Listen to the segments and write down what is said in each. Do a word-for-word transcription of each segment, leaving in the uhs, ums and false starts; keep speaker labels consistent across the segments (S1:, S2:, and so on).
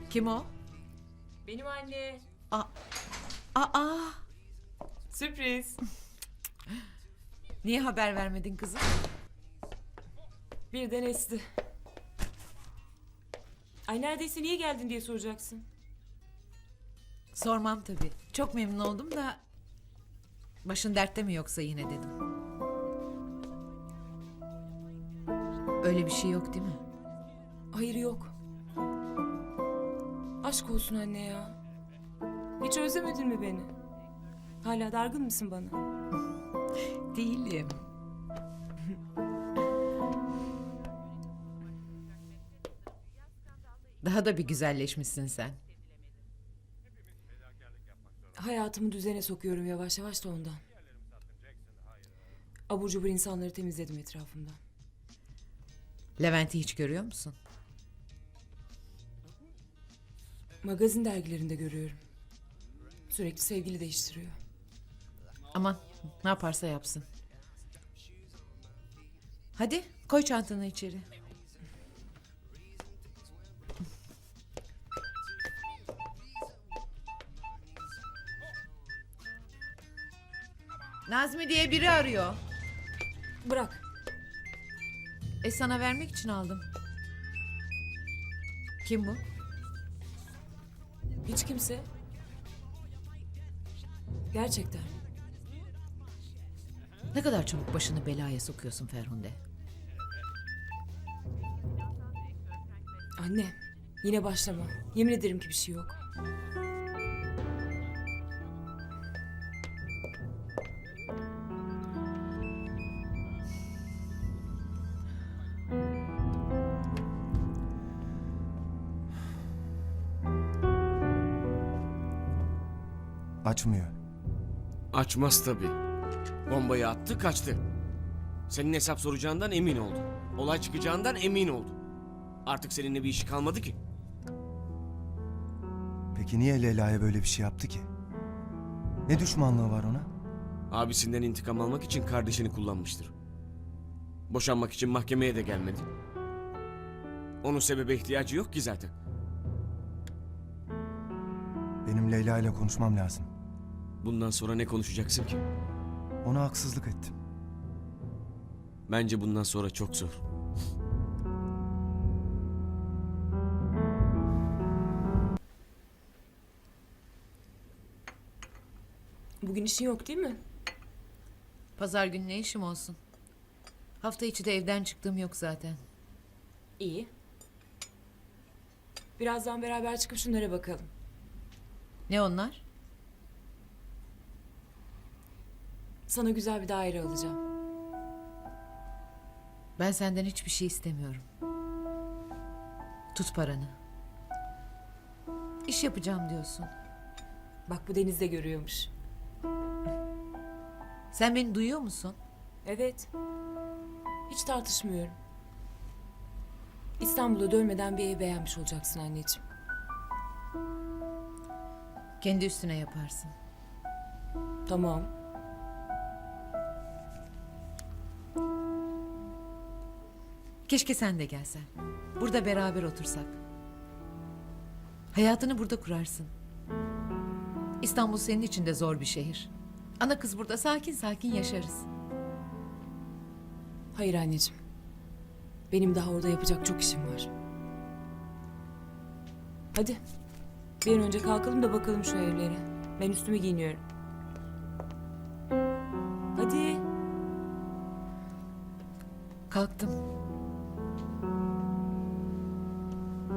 S1: Kim o?
S2: Benim anne.
S1: Aa, aa.
S2: Sürpriz.
S1: Niye haber vermedin kızım?
S2: Birden esti. Ay neredeyse niye geldin diye soracaksın.
S1: Sormam tabii. Çok memnun oldum da... Başın dertte mi yoksa yine dedim. Öyle bir şey yok değil mi?
S2: Hayır yok. Aşk olsun anne ya. Hiç özlemedin mi beni? Hala dargın mısın bana?
S1: Değilim. Daha da bir güzelleşmişsin sen.
S2: Hayatımı düzene sokuyorum yavaş yavaş da ondan. Abur cubur insanları temizledim etrafımdan.
S1: Levent'i hiç görüyor musun?
S2: Magazin dergilerinde görüyorum. Sürekli sevgili değiştiriyor.
S1: Aman ne yaparsa yapsın. Hadi koy çantanı içeri. Nazmi diye biri arıyor.
S2: Bırak.
S1: E sana vermek için aldım. Kim bu?
S2: Hiç kimse. Gerçekten.
S1: Ne kadar çabuk başını belaya sokuyorsun Ferhunde.
S2: Anne, yine başlama. Yemin ederim ki bir şey yok.
S3: Açmıyor.
S4: Açmaz tabii. Bombayı attı kaçtı. Senin hesap soracağından emin oldu. Olay çıkacağından emin oldu. Artık seninle bir işi kalmadı ki.
S3: Peki niye Leyla'ya böyle bir şey yaptı ki? Ne düşmanlığı var ona?
S4: Abisinden intikam almak için kardeşini kullanmıştır. Boşanmak için mahkemeye de gelmedi. Onun sebebe ihtiyacı yok ki zaten.
S3: Benim Leyla ile konuşmam lazım.
S4: Bundan sonra ne konuşacaksın ki?
S3: Ona haksızlık ettim.
S4: Bence bundan sonra çok zor.
S2: Bugün işin yok değil mi?
S1: Pazar günü ne işim olsun? Hafta içi de evden çıktığım yok zaten.
S2: İyi. Birazdan beraber çıkıp şunlara bakalım.
S1: Ne onlar?
S2: Sana güzel bir daire alacağım.
S1: Ben senden hiçbir şey istemiyorum. Tut paranı. İş yapacağım diyorsun.
S2: Bak bu Deniz de görüyormuş.
S1: Sen beni duyuyor musun?
S2: Evet. Hiç tartışmıyorum. İstanbul'a dönmeden bir ev beğenmiş olacaksın anneciğim.
S1: Kendi üstüne yaparsın.
S2: Tamam.
S1: Keşke sen de gelsen. Burada beraber otursak. Hayatını burada kurarsın. İstanbul senin için de zor bir şehir. Ana kız burada sakin sakin yaşarız.
S2: Hayır anneciğim. Benim daha orada yapacak çok işim var. Hadi. Bir an önce kalkalım da bakalım şu evlere. Ben üstümü giyiniyorum. Hadi.
S1: Kalktım.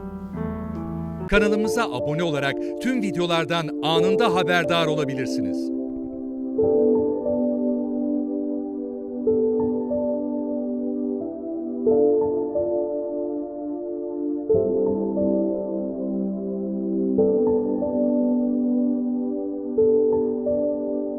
S5: Kanalımıza abone olarak tüm videolardan anında haberdar olabilirsiniz.